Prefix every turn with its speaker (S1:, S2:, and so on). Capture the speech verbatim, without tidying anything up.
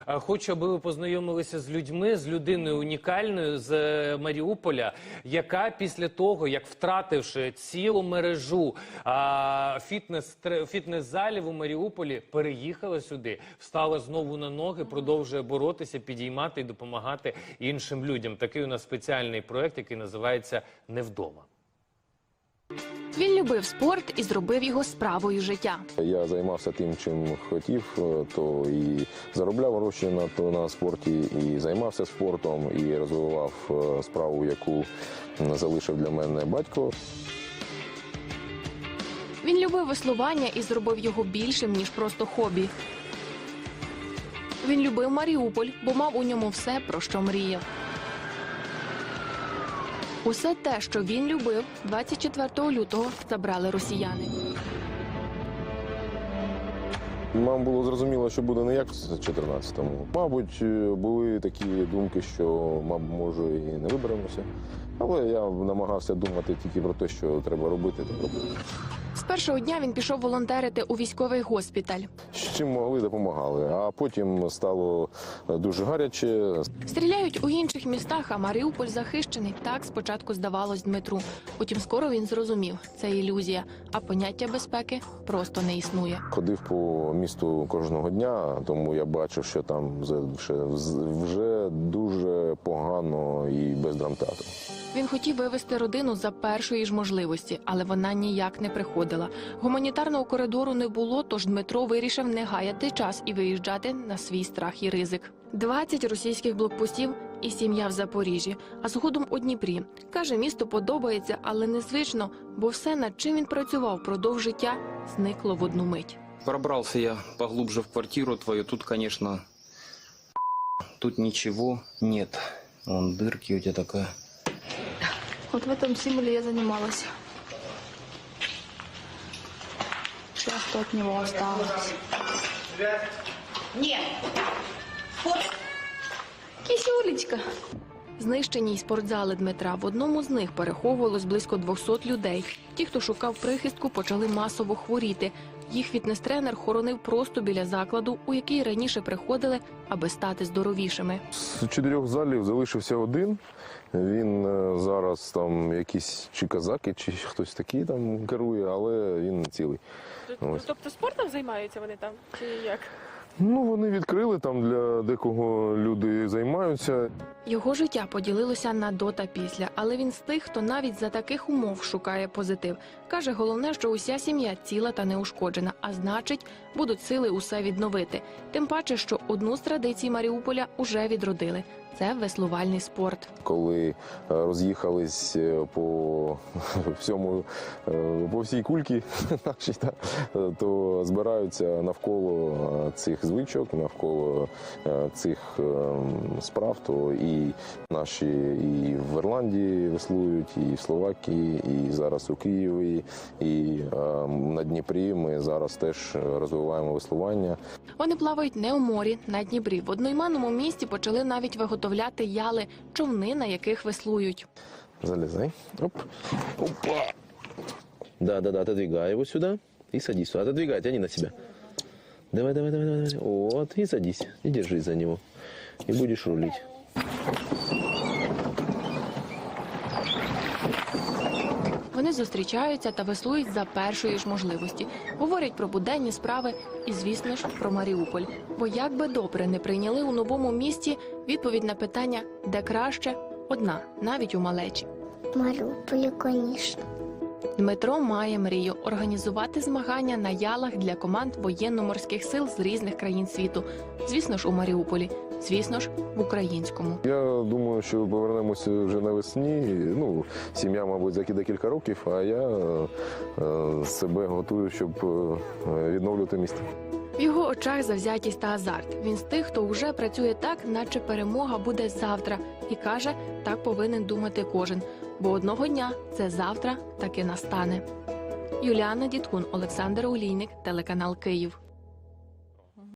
S1: Хочу, аби ви познайомилися з людьми, з людиною унікальною з Маріуполя, яка після того, як втративши цілу мережу фітнес, фітнес-залів у Маріуполі, переїхала сюди, встала знову на ноги, продовжує боротися, підіймати і допомагати іншим людям. Такий у нас спеціальний проєкт, який називається «Не вдома».
S2: Він любив спорт і зробив його справою життя.
S3: Я займався тим, чим хотів, то і заробляв гроші на, то, на спорті, і займався спортом, і розвивав справу, яку залишив для мене батько.
S2: Він любив веслування і зробив його більшим, ніж просто хобі. Він любив Маріуполь, бо мав у ньому все, про що мріяв. Усе те, що він любив, двадцять четвертого лютого забрали росіяни.
S3: Нам було зрозуміло, що буде не як в чотирнадцятому. Мабуть, були такі думки, що, мабуть, може, і не виберемося. Але я намагався думати тільки про те, що треба робити, так робити.
S2: З першого дня він пішов волонтерити у військовий госпіталь.
S3: З чим могли, допомагали. А потім стало дуже гаряче.
S2: Стріляють у інших містах, а Маріуполь захищений. Так спочатку здавалось Дмитру. Утім, скоро він зрозумів – це ілюзія, а поняття безпеки просто не існує.
S3: Ходив по місту кожного дня, тому я бачив, що там вже, вже дуже погано і без драмтеатру.
S2: Він хотів вивезти родину за першої ж можливості, але вона ніяк не приходила. Гуманітарного коридору не було, тож Дмитро вирішив не гаяти час і виїжджати на свій страх і ризик. двадцять російських блокпостів і сім'я в Запоріжжі, а згодом у Дніпрі. Каже, місто подобається, але незвично, бо все, над чим він працював впродовж життя, зникло в одну мить.
S4: Пробрался я поглубже в квартиру твою. Тут, конечно, тут ничего нет. Вон дырки у тебя такая.
S5: Вот в этом символе я занималась. Все, что от него осталось.
S6: Нет. Вот.
S5: Кисюлечка.
S2: Знищені й спортзали Дмитра. В одному з них переховувалось близько двохсот людей. Ті, хто шукав прихистку, почали масово хворіти. Їх фітнес-тренер хоронив просто біля закладу, у який раніше приходили, аби стати здоровішими.
S3: З чотирьох залів залишився один. Він зараз там якісь чи казаки, чи хтось такий там керує, але він цілий.
S7: Тобто спортом займаються вони там, чи як?
S3: Ну, вони відкрили, там для декого люди займаються.
S2: Його життя поділилося на до та після, але він з тих, хто навіть за таких умов шукає позитив. Каже, головне, що уся сім'я ціла та неушкоджена, а значить, будуть сили усе відновити. Тим паче, що одну з традицій Маріуполя уже відродили – це веслувальний спорт.
S3: Коли роз'їхались по всьому, по всій кульці нашій, то збираються навколо цих звичок, навколо цих справ, то і наші і в Ірландії веслують, і в Словакії, і зараз у Києві, і на Дніпрі ми зараз теж розвиваємо веслування.
S2: Вони плавають не у морі, на Дніпрі. В одноіменному місті почали навіть виготовляти яли, човни, на яких веслують.
S3: Залезай. Оп. Опа. Да-да-да, отодвигай его сюда и садись сюда. Отодвигай, тяни на себя. Давай, давай, давай, давай. Вот, и садись. И держись за него. И будешь рулить.
S2: Вони зустрічаються та веслують за першої ж можливості. Говорять про буденні справи і, звісно ж, про Маріуполь. Бо як би добре не прийняли у новому місті, відповідь на питання «де краще?» одна, навіть у малечі.
S8: Маріуполі, звісно.
S2: Дмитро має мрію – організувати змагання на ялах для команд воєнно-морських сил з різних країн світу. Звісно ж, у Маріуполі. Звісно ж, в українському.
S3: Я думаю, що повернемося вже навесні. Ну, сім'я, мабуть, за декілька років, а я е, себе готую, щоб е, відновлювати місто.
S2: В його очах завзятість та азарт. Він з тих, хто вже працює так, наче перемога буде завтра. І каже, так повинен думати кожен. Бо одного дня це завтра таки настане. Юліана Дідкун, Олександр Олійник, телеканал Київ.